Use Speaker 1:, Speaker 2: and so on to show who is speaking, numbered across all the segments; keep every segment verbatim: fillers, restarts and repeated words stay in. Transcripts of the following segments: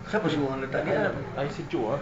Speaker 1: Siapa suruh orang letak dia?
Speaker 2: Air sejuk ah.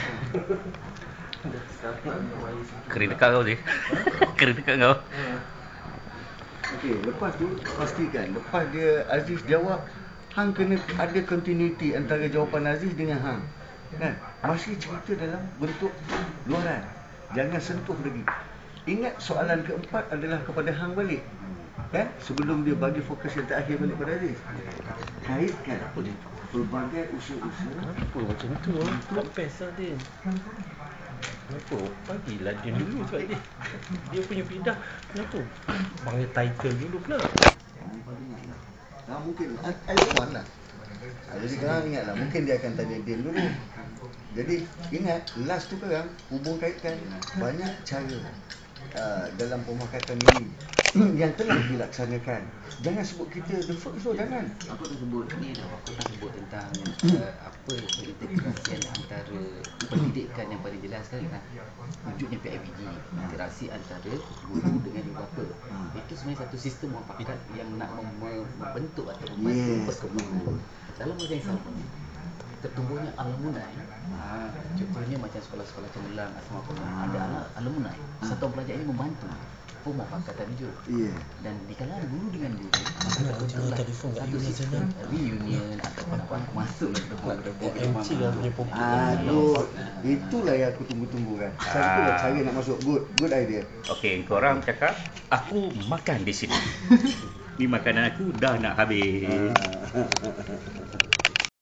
Speaker 3: Kering dekat kau je. Kering dekat kau.
Speaker 1: Okey, lepas tu pastikan lepas dia Aziz jawab, hang kena ada continuity antara jawapan Aziz dengan hang. Kan? Masih cerita dalam bentuk luaran. Jangan sentuh lagi. Ingat soalan keempat adalah kepada hang balik. Kan? Sebelum dia bagi fokus yang terakhir balik pada Aziz. Kaitkan apa dia? Pelbagai usaha-usaha.
Speaker 2: Kenapa macam tu ah? Tak best lah Din. Kenapa? Bagilah dia dulu sebab dia Dia punya fidah. Kenapa? Panggil title dulu pula.
Speaker 1: Nah, mungkin Alwan lah. Ha, jadi korang ingatlah, mungkin dia akan tanya Din dulu. Jadi ingat, last tu korang hubung kaitkan banyak cara uh, dalam pemakatan ini yang telah dilaksanakan. Jangan sebut kita the first tu, jangan.
Speaker 4: Aku tak sebut ni dah, aku tak sebut tentang uh, apa interaksi antara pendidikan yang paling jelas kan, kan wujudnya P I B G, interaksi antara guru dengan ibu bapa. Itu sebenarnya satu sistem muafakat yang nak mem- membentuk atau membantu
Speaker 1: Yes.
Speaker 4: perkembangan. Dalam masa yang sama, tertumbuhnya alumni. Ha, contohnya macam sekolah-sekolah cemerlang asrama pernah ada anak alumni. Satuan pelajar ini membantu pemufakatan juga.
Speaker 1: Yeah.
Speaker 4: Dan di kalangan guru dengan guru, maka
Speaker 2: Nak
Speaker 4: terbentuklah
Speaker 2: telefon kat
Speaker 4: satu
Speaker 2: Yuna
Speaker 4: sistem reunion ataupun apa masuk dalam tepuk-tepuk
Speaker 2: M C lah punya popok.
Speaker 1: Aduh, itulah yang aku tunggu-tunggu kan. Satulah
Speaker 3: Ah.
Speaker 1: cara nak masuk. Good, good idea.
Speaker 3: Okey, korang cakap aku makan di sini. Ni makanan aku dah nak habis.
Speaker 1: Ah.